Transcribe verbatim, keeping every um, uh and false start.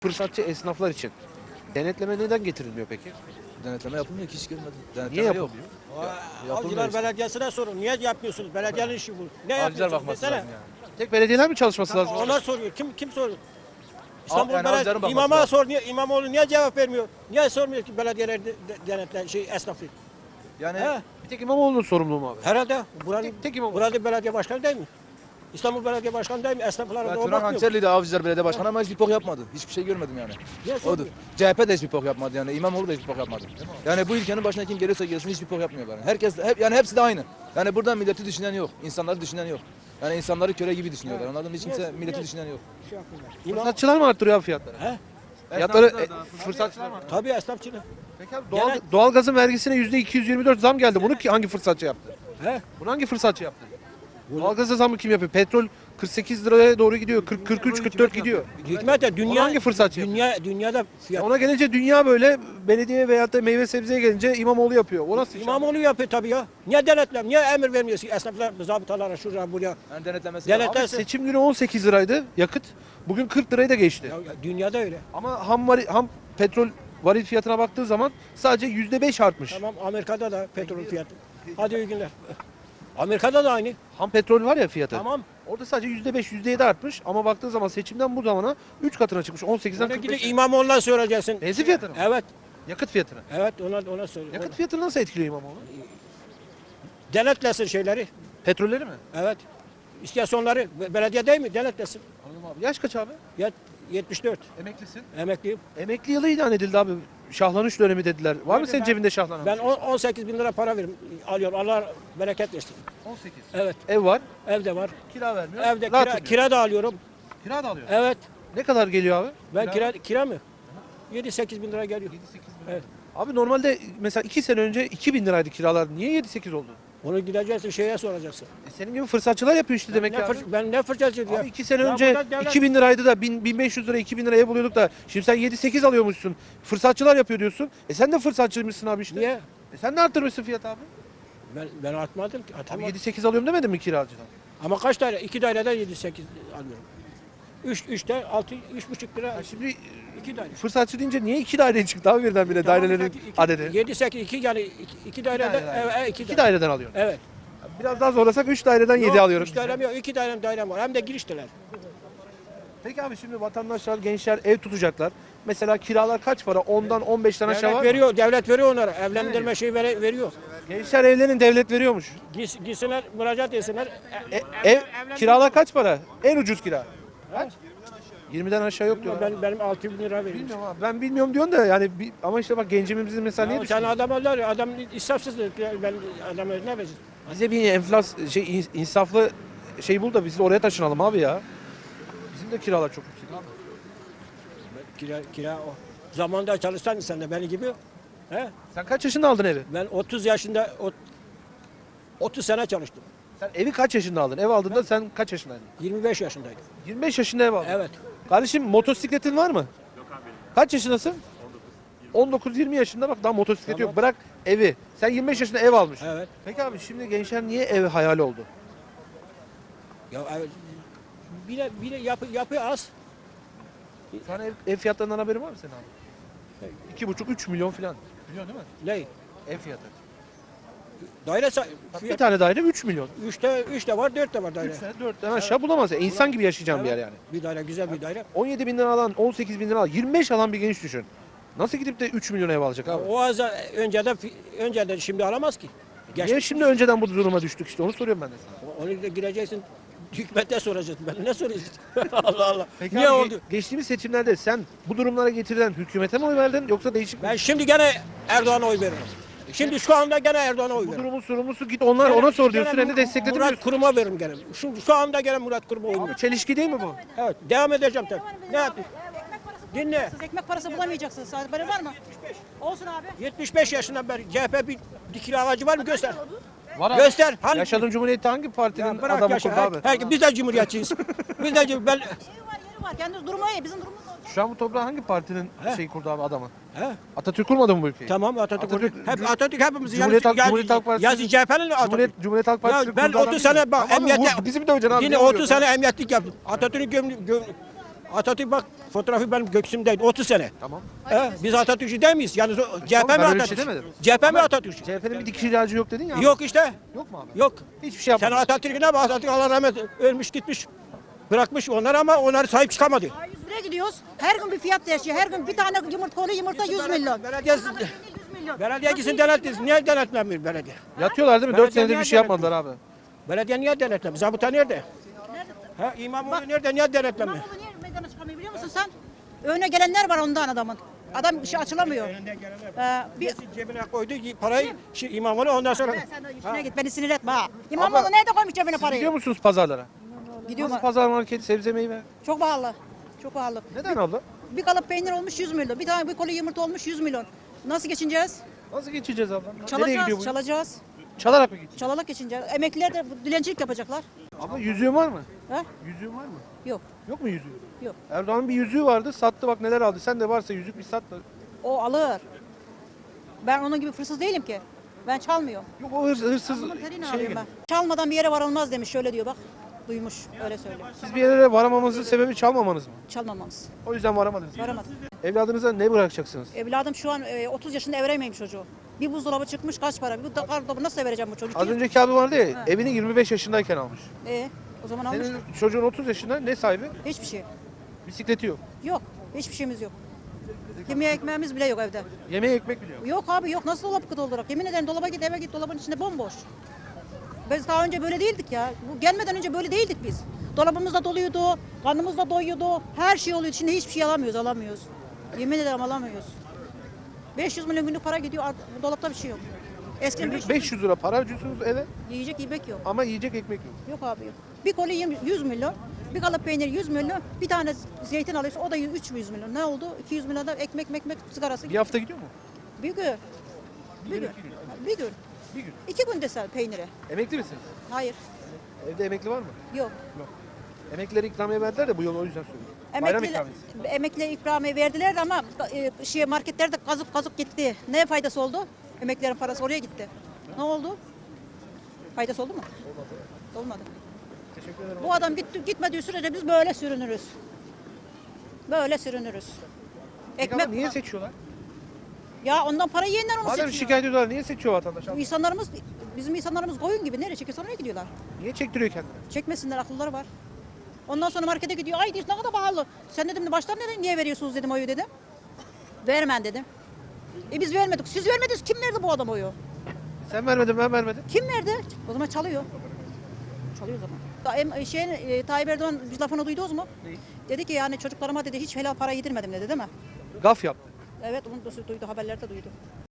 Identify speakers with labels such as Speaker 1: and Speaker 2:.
Speaker 1: Fırsatçı esnaflar için denetleme neden getirilmiyor peki?
Speaker 2: Denetleme yapılmıyor ki hiç görmedim. Denetleme
Speaker 1: Niye
Speaker 2: yok.
Speaker 1: yapılmıyor?
Speaker 2: Yapılmıyor
Speaker 3: Avcılar
Speaker 2: işte.
Speaker 3: Belediyesi'ne sorun. Niye yapmıyorsunuz? Belediyenin işi bu. Ne
Speaker 2: Avcılar
Speaker 3: yapıyorsunuz?
Speaker 2: bakması
Speaker 3: Desene.
Speaker 2: lazım yani.
Speaker 1: Tek belediyeler mi çalışması lazım?
Speaker 3: Ona soruyor. Kim kim soruyor? İstanbul
Speaker 2: yani
Speaker 3: Belediye
Speaker 2: avcıların bakması
Speaker 3: İmama
Speaker 2: lazım.
Speaker 3: sor. Niye, İmamoğlu niye cevap vermiyor? Niye sormuyor ki belediyeler de- de- denetle şey esnafı?
Speaker 2: Yani
Speaker 3: He?
Speaker 1: Bir tek İmamoğlu'nun sorumluluğu mu abi?
Speaker 3: Herhalde buranın
Speaker 1: Tek- tek İmamoğlu.
Speaker 3: burada belediye başkanı değil mi? İstanbul Belediye Başkanı değil mi? Esnaflara
Speaker 2: ben
Speaker 3: da o
Speaker 2: Turan
Speaker 3: bakmıyor.
Speaker 2: Hançerli'de Avcılar Belediye Başkanı ama hiçbir pok yapmadı. Hiçbir şey görmedim yani.
Speaker 3: Niye
Speaker 2: Odur.
Speaker 3: sormuyor?
Speaker 2: C H P de hiçbir pok yapmadı yani. İmamoğlu da hiçbir pok yapmadı. Yani bu ülkenin başına kim gelirse gelsin hiçbir pok yapmıyorlar. Yani. Herkes hep yani hepsi de aynı. Yani burada milleti düşünen yok. İnsanları düşünen yok. Yani insanları köle gibi düşünüyorlar. Anladın mı? Hiç kimse
Speaker 3: Niye-
Speaker 2: milleti
Speaker 3: niye-
Speaker 2: düşünen yok.
Speaker 3: Şey yapıyorlar. İmam,
Speaker 1: Fırsatçılar mı arttırıyor abi fiyatları?
Speaker 3: he?
Speaker 1: Fiyatları
Speaker 2: Esnafçılar da-
Speaker 1: e, fırsatçılar mı arttırıyor?
Speaker 3: Tabii esnafçılık.
Speaker 1: Peki abi doğal,
Speaker 3: Genel-
Speaker 1: doğalgazın vergisine yüzde iki yüz yirmi dört zam geldi. Bunu ki hangi fırsatçı yaptı?
Speaker 3: He?
Speaker 1: Bunu hangi fırsatçı yaptı? Doğalgaza zamı kim yapıyor? Petrol kırk sekiz liraya doğru gidiyor. kırk, kırk üç, kırk dört gidiyor.
Speaker 3: Hükümet de dünya
Speaker 1: hangi fırsatçı yapıyor?
Speaker 3: dünya dünyada fiyat
Speaker 1: Ona gelince dünya böyle, belediye veyahut da meyve sebzeye gelince İmamoğlu yapıyor. O nasıl iş abi?
Speaker 3: İmamoğlu yapıyor tabii ya. Niye denetlem? Niye emir vermiyorsun esnaflar, zabıtalara, şuraya, buraya?
Speaker 2: Yani denetlemesi
Speaker 3: Denet-
Speaker 1: Abi
Speaker 3: Derse-
Speaker 1: seçim günü on sekiz liraydı yakıt. Bugün kırk lirayı da geçti.
Speaker 3: Ya, ya dünyada öyle.
Speaker 1: Ama ham, vari- ham petrol varil fiyatına baktığı zaman sadece yüzde beş artmış.
Speaker 3: Tamam Amerika'da da petrol fiyatı. Hadi iyi günler. Amerika'da da aynı.
Speaker 1: Ham petrol var ya fiyatı.
Speaker 3: Tamam.
Speaker 1: Orada sadece yüzde beş, yüzde yedi artmış ama baktığın zaman seçimden bu zamana üç katına çıkmış. on sekizden
Speaker 3: Ona
Speaker 1: kırk
Speaker 3: gidip
Speaker 1: beşe.
Speaker 3: İmamoğlu'na soracaksın.
Speaker 1: Benzin fiyatını mı?
Speaker 3: Evet.
Speaker 1: Yakıt fiyatını.
Speaker 3: Evet ona ona sor.
Speaker 1: Yakıt fiyatını nasıl etkiliyor İmamoğlu?
Speaker 3: Denetlesin şeyleri.
Speaker 1: Petrolleri mi?
Speaker 3: Evet. İstasyonları be- belediye değil mi? Denetlesin.
Speaker 1: Anladım abi. Yaş kaç abi?
Speaker 3: Yet, yetmiş dört.
Speaker 1: Emeklisin.
Speaker 3: Emekliyim.
Speaker 1: Emekli yılı ilan edildi abi. Şahlanış dönemi dediler. Var mı
Speaker 3: Nerede
Speaker 1: senin
Speaker 3: ben-
Speaker 1: cebinde şahlanan?
Speaker 3: Ben on- 18 bin lira para verim, alıyorum. Allah bereket versin.
Speaker 1: on sekiz.
Speaker 3: Evet.
Speaker 1: Ev var.
Speaker 3: Evde var.
Speaker 1: Kira vermiyor.
Speaker 3: Evde
Speaker 1: rahat
Speaker 3: kira,
Speaker 1: ediyor.
Speaker 3: kira da alıyorum.
Speaker 1: Kira da alıyor.
Speaker 3: Evet.
Speaker 1: Ne kadar geliyor abi?
Speaker 3: Ben kira, kira mı? yedi sekiz bin lira geliyor. Evet.
Speaker 1: Abi normalde mesela iki sene önce iki bin liraydı kiralar. Niye yedi sekiz oldu?
Speaker 3: Onu gideceksin şeye soracaksın.
Speaker 1: E senin gibi fırsatçılar yapıyor işte demek
Speaker 3: ne
Speaker 1: ki abi.
Speaker 3: fır- ben ne fırçacı ya?
Speaker 1: Abi iki sene
Speaker 3: Ya
Speaker 1: önce
Speaker 3: burada devlet-
Speaker 1: iki bin liraydı da bin, bin beş yüz lira iki bin liraya buluyorduk da şimdi sen yedi sekiz alıyormuşsun. Fırsatçılar yapıyor diyorsun. E sen de fırsatçıymışsın abi işte.
Speaker 3: Niye?
Speaker 1: E sen de arttırmışsın fiyat abi.
Speaker 3: Ben, ben artmadım ki.
Speaker 1: Abi
Speaker 3: Atamadım.
Speaker 1: yedi sekiz alıyorum demedin mi kiracıdan?
Speaker 3: Ama kaç daire? İki daireden yedi sekiz alıyorum. Üç, üçte altı, üç buçuk lira.
Speaker 1: Ya şimdi
Speaker 3: iki daire.
Speaker 1: fırsatçı deyince niye iki daire çıktı abi birdenbire dairelerin adedi?
Speaker 3: Yedi, sekiz, iki yani iki, iki daireden.
Speaker 1: daire,
Speaker 3: Evet, evet, iki,
Speaker 1: İki
Speaker 3: daire.
Speaker 1: daireden alıyorsun.
Speaker 3: Evet.
Speaker 1: Biraz daha zorlasak üç daireden yedi
Speaker 3: Yok,
Speaker 1: alıyorum.
Speaker 3: Üç dairem yok. İki dairem dairem var. Hem de girişteler.
Speaker 1: Peki abi şimdi vatandaşlar, gençler ev tutacaklar. Mesela kiralar kaç para? ondan on beşten aşağı
Speaker 3: Devlet
Speaker 1: var mı?
Speaker 3: veriyor. Devlet veriyor onlara. Evlendirme şeyi vere- veriyor.
Speaker 1: Gençler evlerin devlet veriyormuş.
Speaker 3: Gis, gitsinler, müracaat etsinler. E,
Speaker 1: E, ev, kiralar kaç para? En ucuz kira. Kaç? yirmiden aşağı yok diyor.
Speaker 3: Ben, benim altı bin lira veriyorum.
Speaker 1: Bilmiyorum abi. Ben bilmiyorum diyorsun da yani bir- ama işte bak gencimizin mesela niye
Speaker 3: Ya sen
Speaker 1: düşünüyorsun?
Speaker 3: adam alır ya, adam israfsızdır. Ben adama ne vereceğim?
Speaker 1: Bize bir enflas şey ins- insaflı şey bul da biz de oraya taşınalım abi ya. Bizim de kiralar çok yüksek abi.
Speaker 3: Kira, kira o. Zamanında çalışsan sen de beni gibi. He?
Speaker 1: Sen kaç yaşında aldın evi?
Speaker 3: Ben otuz yaşında, ot- otuz sene çalıştım.
Speaker 1: Sen evi kaç yaşında aldın? Ev aldığında sen kaç yaşındaydın?
Speaker 3: yirmi beş yaşındaydım.
Speaker 1: yirmi beş yaşında ev aldın.
Speaker 3: Evet.
Speaker 1: Kardeşim motosikletin var mı? Yok abi. Kaç yaşındasın? on dokuz yirmi yaşında bak daha motosiklet
Speaker 3: Tamam.
Speaker 1: yok. Bırak evi. Sen yirmi beş yaşında ev almış.
Speaker 3: Evet.
Speaker 1: Peki abi şimdi gençler niye ev hayali oldu?
Speaker 3: Ya evet. Bile bile yapı yapı az.
Speaker 1: Şu an ev, ev fiyatlarından haberin var mı senin abi? iki buçuk üç milyon falan. Biliyorsun değil mi?
Speaker 3: Ne?
Speaker 1: Ev fiyatı.
Speaker 3: Daire sa-
Speaker 1: Bak bir
Speaker 3: fiyat,
Speaker 1: tane daire üç milyon.
Speaker 3: üçte üçte var, dörtte var daire.
Speaker 1: üç tane dörtten aşağı bulamaz. Yani. İnsan gibi yaşayacağın bir yer yani.
Speaker 3: Bir daire güzel bir daire.
Speaker 1: on yedi bin lira alan, on sekiz bin lira alan, yirmi beş alan bir genç düşün. Nasıl gidip de üç milyon ev alacak abi?
Speaker 3: O az önceden fi- önceden şimdi alamaz ki. Geç,
Speaker 1: Niye şimdi önceden bu duruma düştük işte onu soruyorum ben de sana.
Speaker 3: onu da gireceksin. Hükümete soracaksın. Ben ne soracağım? Allah Allah.
Speaker 1: Peki
Speaker 3: Niye
Speaker 1: abi,
Speaker 3: oldu?
Speaker 1: Geçtiğimiz seçimlerde sen bu durumlara getirilen hükümete mi oy verdin yoksa değişik
Speaker 3: Ben şimdi gene Erdoğan'a oy veririm. Şimdi şu anda gene Erdoğan'a oy
Speaker 1: bu
Speaker 3: veririm.
Speaker 1: durumun sorumlusu git onlar
Speaker 3: Gene-
Speaker 1: ona sor diyorsun
Speaker 3: gene
Speaker 1: hem de destekledim
Speaker 3: Murat
Speaker 1: diyorsun.
Speaker 3: Kurum'a veririm gene. Şu, şu anda gene Murat Kurum'a oy
Speaker 1: Abi
Speaker 3: veririm.
Speaker 1: çelişki değil mi bu?
Speaker 3: Evet. Devam edeceğim tabii. Ne yapayım? Dinle.
Speaker 4: Siz ekmek parası bulamayacaksınız. Haberi var mı? Olsun abi.
Speaker 3: yetmiş beş yaşından beri C H P bir dikili ağacı var mı? Göster.
Speaker 1: Var
Speaker 3: Göster. Hangi?
Speaker 1: Yaşadığın cumhuriyette hangi partinin
Speaker 3: Ya bırak
Speaker 1: adamı
Speaker 3: yaşa.
Speaker 1: kurdu abi?
Speaker 3: Her, her, biz de cumhuriyetçiyiz. biz de cum- ben
Speaker 4: Evi var, yeri var. Kendiniz durumu iyi. Bizim durumumuz da olacak.
Speaker 1: Şu an bu toprağı hangi partinin
Speaker 3: He?
Speaker 1: şey kurdu abi adamı?
Speaker 3: He?
Speaker 1: Atatürk kurmadı mı bu ülkeyi?
Speaker 3: Tamam Atatürk.
Speaker 1: Atatürk-
Speaker 3: Atatürk hep Atatürk hepimiz
Speaker 1: Cumhuriyet Halk-
Speaker 3: yazı,
Speaker 1: Cumhuriyet Halk Partisi-
Speaker 3: yazı C H P'nin Atatürk.
Speaker 1: Cumhuriyet, Cumhuriyet Halk Partisi
Speaker 3: Ya ben
Speaker 1: kurdu adam
Speaker 3: otuz
Speaker 1: değil mi?
Speaker 3: sene bak
Speaker 1: Tamam,
Speaker 3: emniyette
Speaker 1: vur- bizim de hocam abi.
Speaker 3: yine
Speaker 1: niye
Speaker 3: otuz
Speaker 1: vuruyorsun
Speaker 3: sene
Speaker 1: ha?
Speaker 3: emniyetlik yaptım. Atatürk'ün göm, göm, Atatürk bak fotoğrafı benim göksümdeydi otuz sene.
Speaker 1: Tamam.
Speaker 3: He, biz Atatürkçü değil miyiz? Yani C H P
Speaker 1: Ben
Speaker 3: mi
Speaker 1: öyle bir şey
Speaker 3: Atatürk?
Speaker 1: demedim.
Speaker 3: C H P mi
Speaker 1: Ama
Speaker 3: Atatürk?
Speaker 1: C H P'nin bir dikiş ilacı yok dedin ya. abi.
Speaker 3: Yok işte.
Speaker 1: Yok mu abi?
Speaker 3: Yok.
Speaker 1: Hiçbir şey
Speaker 3: Sen
Speaker 1: yapmadın.
Speaker 3: Atatürk'e ne bak? Atatürk Allah rahmet ölmüş gitmiş. Bırakmış onları ama onları sahip çıkamadı.
Speaker 4: yüz liraya gidiyoruz. Her gün bir fiyat değişiyor. Her gün bir tane yumurta, konu yumurta yüz milyon.
Speaker 3: Belediye,
Speaker 4: yüz milyon.
Speaker 3: belediye gitsin denetlesin. Niye denetlemiyor belediye?
Speaker 1: Yatıyorlar değil mi? dört
Speaker 3: Belediye
Speaker 1: senedir bir
Speaker 3: niye
Speaker 1: şey yapmadılar abi.
Speaker 3: Belediye niye denetlemiyor? Zabıta nerede? Ha, İmamoğlu nerede? Niye denetlemiyor?
Speaker 4: İmamoğlu niye meydana çıkamıyor biliyor musun sen? Önüne gelenler var ondan adamın. Adam işi açılamıyor. Ee, bir...
Speaker 3: Cebine koydu parayı şey, İmamoğlu ondan sonra.
Speaker 4: Sen, sen de işine git beni sinir etme ha. İmamoğlu nerede koymuş cebine
Speaker 1: Siz gidiyor
Speaker 4: parayı?
Speaker 1: musunuz pazarlara?
Speaker 4: Gidiyor
Speaker 1: Nasıl
Speaker 4: mu?
Speaker 1: pazar market, sebze meyve?
Speaker 4: Çok pahalı. Çok pahalı.
Speaker 1: Neden abla?
Speaker 4: Bir kalıp peynir olmuş yüz milyon. Bir tane bir koli yumurta olmuş yüz milyon. Nasıl geçineceğiz?
Speaker 1: Nasıl geçeceğiz abla? Nereye
Speaker 4: Çalacağız,
Speaker 1: gidiyor bu?
Speaker 4: çalacağız.
Speaker 1: Çalarak mı gideceğiz?
Speaker 4: Çalarak geçineceğiz. Emekliler de dilencilik yapacaklar.
Speaker 1: Abla yüzüğün var mı?
Speaker 4: Ha?
Speaker 1: Yüzüğün var mı?
Speaker 4: Yok,
Speaker 1: Yok mu yüzüğü?
Speaker 4: yok.
Speaker 1: Erdoğan'ın bir yüzüğü vardı, sattı bak neler aldı. Sen de varsa yüzük bir sat da.
Speaker 4: O alır. Ben onun gibi fırsız değilim ki. Ben çalmıyorum.
Speaker 1: Yok o hırs, hırsız
Speaker 4: Bunun terini
Speaker 1: şey
Speaker 4: arıyorum ben. Çalmadan bir yere varılmaz demiş. Şöyle diyor bak. Duymuş. Öyle söylüyor.
Speaker 1: Siz bir yere varamanızın sebebi çalmamanız mı?
Speaker 4: Çalmamamız.
Speaker 1: O yüzden varamadınız.
Speaker 4: Varamadık.
Speaker 1: Evladınıza ne bırakacaksınız?
Speaker 4: Evladım şu an e, otuz yaşında ev veremeyim çocuğu. Bir buzdolabı çıkmış kaç para? Bir buzdolabı nasıl vereceğim bu çocuğu?
Speaker 1: Az önceki abi vardı ya, evini yirmi beş yaşındayken almış.
Speaker 4: E, o zaman almış.
Speaker 1: Senin çocuğun otuz yaşında, ne sahibi?
Speaker 4: Hiçbir şey.
Speaker 1: Bisikleti yok.
Speaker 4: Yok. Hiçbir şeyimiz yok. Yemeğe ekmeğimiz bile yok evde.
Speaker 1: Yemeğe ekmek biliyor.
Speaker 4: Yok abi yok. Nasıl dolap doldurarak? Yemin ederim dolaba git eve git dolabın içinde bomboş. Biz daha önce böyle değildik ya. Bu gelmeden önce böyle değildik biz. Dolabımız da doluydu, karnımız da doyuyordu. Her şey oluyordu. Şimdi hiçbir şey alamıyoruz, alamıyoruz. Yemin ederim alamıyoruz. beş yüz milyon günlük para gidiyor. art- Bu dolapta bir şey yok. Eskiden
Speaker 1: Günlük
Speaker 4: beş-
Speaker 1: beş yüz lira para harcıyorsunuz eve
Speaker 4: yiyecek yemek yok.
Speaker 1: ama yiyecek ekmek yok.
Speaker 4: Yok abi yok. Bir koli yirmi- yüz milyon, bir kalıp peynir yüz milyon, bir tane zeytin alıyorsun o da üç yüz milyon. Ne oldu? iki yüz milyon da ekmek ekmek sigarası.
Speaker 1: Bir hafta gidiyor mu?
Speaker 4: Bir gün. Bir gün. Bir gün.
Speaker 1: Bir gün.
Speaker 4: İki gün desel peynire.
Speaker 1: Emekli misiniz?
Speaker 4: Hayır.
Speaker 1: Evde emekli var mı?
Speaker 4: Yok.
Speaker 1: Emeklilere ikramiye verdiler de bu yıl o yüzden söylüyorum. Bayram
Speaker 4: Emekli,
Speaker 1: ikramiyesi.
Speaker 4: emekli ikramiye verdiler de ama e, şey marketlerde kazık kazık gitti. Ne faydası oldu? Emeklilerin parası oraya gitti. Ne oldu? Faydası oldu mu? Olmadı. Olmadı.
Speaker 1: Teşekkür ederim.
Speaker 4: Bu adam gitti, gitmediği sürece biz böyle sürünürüz. Böyle sürünürüz.
Speaker 1: Peki
Speaker 4: Ekmek
Speaker 1: ama niye seçiyorlar?
Speaker 4: ya ondan para yiyenler onu
Speaker 1: Madem
Speaker 4: seçiyor.
Speaker 1: şikayet ediyorlar niye seçiyor vatandaş?
Speaker 4: Bu insanlarımız bizim insanlarımız koyun gibi nereye çekiyorsa oraya gidiyorlar.
Speaker 1: Niye çektiriyor kendini?
Speaker 4: Çekmesinler akılları var. Ondan sonra markete gidiyor. Ay diyorsun ne kadar pahalı. Sen dedim baştan neden niye veriyorsunuz dedim oyu dedim. Vermen dedim. E biz vermedik. Siz vermediniz. Kim verdi bu adam oyu?
Speaker 1: Sen vermedin ben vermedim.
Speaker 4: Kim verdi? O zaman çalıyor. Çalıyor o zaman. Da, em, şeyin, e, Tayyip Erdoğan bir lafını duydunuz mu?
Speaker 1: Neyi?
Speaker 4: Dedi ki yani çocuklarıma dedi hiç helal para yedirmedim dedi değil mi?
Speaker 1: Gaf yaptı.
Speaker 4: Evet onu da duydu haberlerde duydu.